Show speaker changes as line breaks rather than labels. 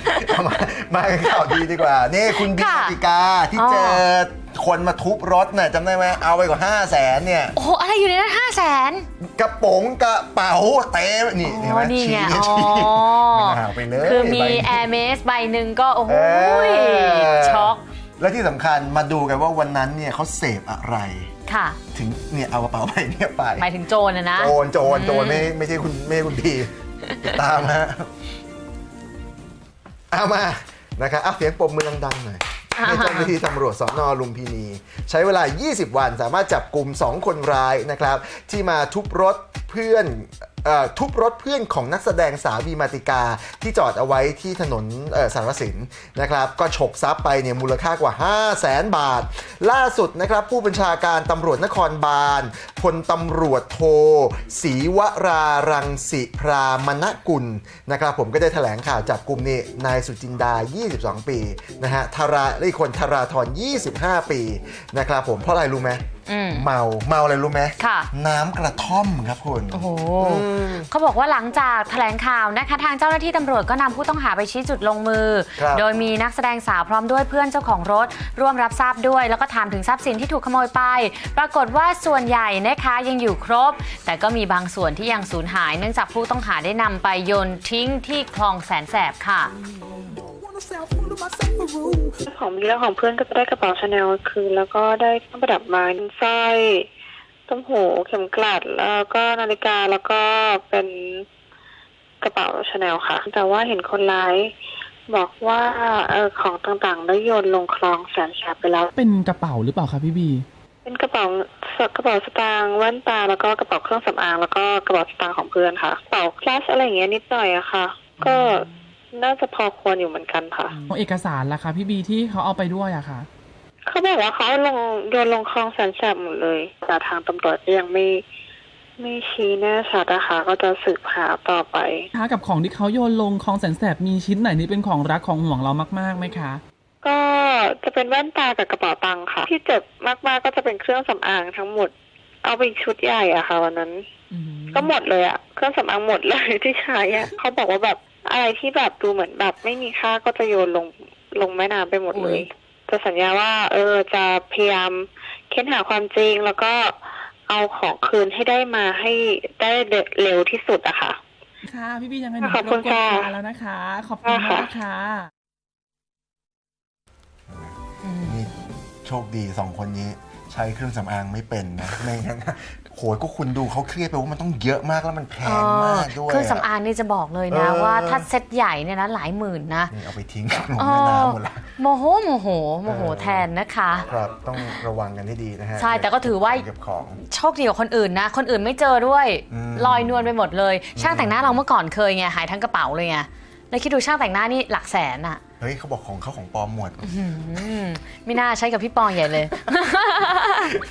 มาข่าวดีดีกว่านี่คุณบีติกาที่เจอคนมาทุบรถน่ะจำได้ไหมเอาไปกว่า500,000เนี่ย
โอ้โหอะไรอยู่ในนั้น500,000
กระโปรงกระเป๋าเต็มนี่เห็นไหมชี้มันห่างไปเลย
คือมีแอร์เมสใบหนึ่งก็โอ้โหช็อก
และที่สำคัญมาดูกันว่าวันนั้นเนี่ยเขาเสพอะไร
ค่ะ
ถึงเนี่ยเอากระเป๋าใบเนี่ยไป
หมายถึงโจรนะ
โจรไม่ใช่คุณพีติดตามฮะเอามานะครับเสียงปรบมือดังๆหน่อยให้เจ้าหน้าที่ตำรวจสน.ลุมพินีใช้เวลา20 วันสามารถจับกลุ่ม2คนร้ายนะครับที่มาทุบรถเพื่อนของนักแสดงสาวบีมาติกาที่จอดเอาไว้ที่ถนนสารสินนะครับก็ฉกทรัพย์ไปเนี่ยมูลค่ากว่า500,000 บาทล่าสุดนะครับผู้บัญชาการตำรวจนครบาลพลตำรวจโทศรีวรารังสิพรามณกุลนะครับผมก็ได้แถลงข่าวจับกลุ่มนี่นายสุจินดา22 ปีนะฮะและอีกคนธราธร25 ปีนะครับผมเพราะอะไรรู้ไหมเมาอะไรรู้ไหมน้ำกระท่อมครับคุณ
โอ้โหเขาบอกว่าหลังจากแถลงข่าวนะคะทางเจ้าหน้าที่ตำรวจก็นำผู้ต้องหาไปชี้จุดลงมือโดยมีนักแสดงสาวพร้อมด้วยเพื่อนเจ้าของรถร่วมรับทราบด้วยแล้วก็ถามถึงทรัพย์สินที่ถูกขโมยไปปรากฏว่าส่วนใหญ่นะคะยังอยู่ครบแต่ก็มีบางส่วนที่ยังสูญหายเนื่องจากผู้ต้องหาได้นำไปโยนทิ้งที่คลองแสนแสบค่ะ
ของมีแล้วของเพื่อนก็จะได้กระเป๋าชาแนลคืนแล้วก็ได้เครื่องประดับไม้สร้อยต้มหูเข็มกลัดแล้วก็นาฬิกาแล้วก็เป็นกระเป๋าชาแนลค่ะแต่ว่าเห็นคนร้ายบอกว่าของต่างๆได้โยนลงคลองแสนแสบไปแล้ว
เป็นกระเป๋าหรือเปล่าคะพี่บี
เป็นกระเป๋าสตางค์แว่นตาแล้วก็กระเป๋าเครื่องสำอางแล้วก็กระเป๋าสตางค์ของเพื่อนค่ะกระเป๋าคลาสอะไรอย่างเงี้ยนิดหน่อยอะค่ะก็น่าจะพอควรอยู่เหมือนกันค่ะ
เอกสารล่ะคะพี่บีที่เขาเอาไปด้วยอะค่ะ
เขาบอกว่าเขาโยนลงคลองแสนแสบหมดเลยแต่ทางตำรวจยังไม่ชี้แน่ชัดนะคะก็จะสืบหาต่อไป
กับของที่เขาโยนลงคลองแสนแสบมีชิ้นไหนที่เป็นของรักของห่วงเรามากๆไหมคะ
ก็จะเป็นแว่นตากับกระเป๋าตังค์ค่ะที่เจ็บมากๆก็จะเป็นเครื่องสำอางทั้งหมดเอาไปชุดใหญ่อะค่ะวันนั้นก็หมดเลยอะเครื่องสำอางหมดเลยที่ใช้อะเขาบอกว่าแบบอะไรที่แบบดูเหมือนแบบไม่มีค่าก็จะโยนลงแม่น้ำไปหมดเลยจะสัญญาว่าจะพยายามเค้นหาความจริงแล้วก็เอาของคืนให้ได้มาให้ได้เร็วที่สุดอะค่ะ
ค่ะพี่บียังไง
ขอบคุณค่ะ
แล้วนะคะขอบคุณมากค่ะ
นี่โชคดี2 คนนี้ใช้เครื่องสำอางไม่เป็นนะไม่งั้นโหยก็คุณดูเขาเครียดไปว่ามันต้องเยอะมากแล้วมันแพงมากด้วย
เครื่องสำอางนี่จะบอกเลยนะว่าถ้าเซ็ตใหญ่เนี่ยนะหลายหมื่นนะ
เอาไปทิ้งลงแม่น้ำหมดละ
โมโหแทนนะคะ
ครับต้องระวังกันให้ดีนะฮะ
ใช่แต่ก็ถือว่าโชคดีกว่าคนอื่นนะคนอื่นไม่เจอด้วยลอยนวลไปหมดเลยช่างแต่งหน้าเราเมื่อก่อนเคยไงหายทั้งกระเป๋าเลยไงแล้วคิดดูช่างแต่งหน้านี่หลักแสนอะ
เฮ้ยเขาบอกของปลอมหมด
ไม่น่าใช้กับพี่ปองใหญ่เลย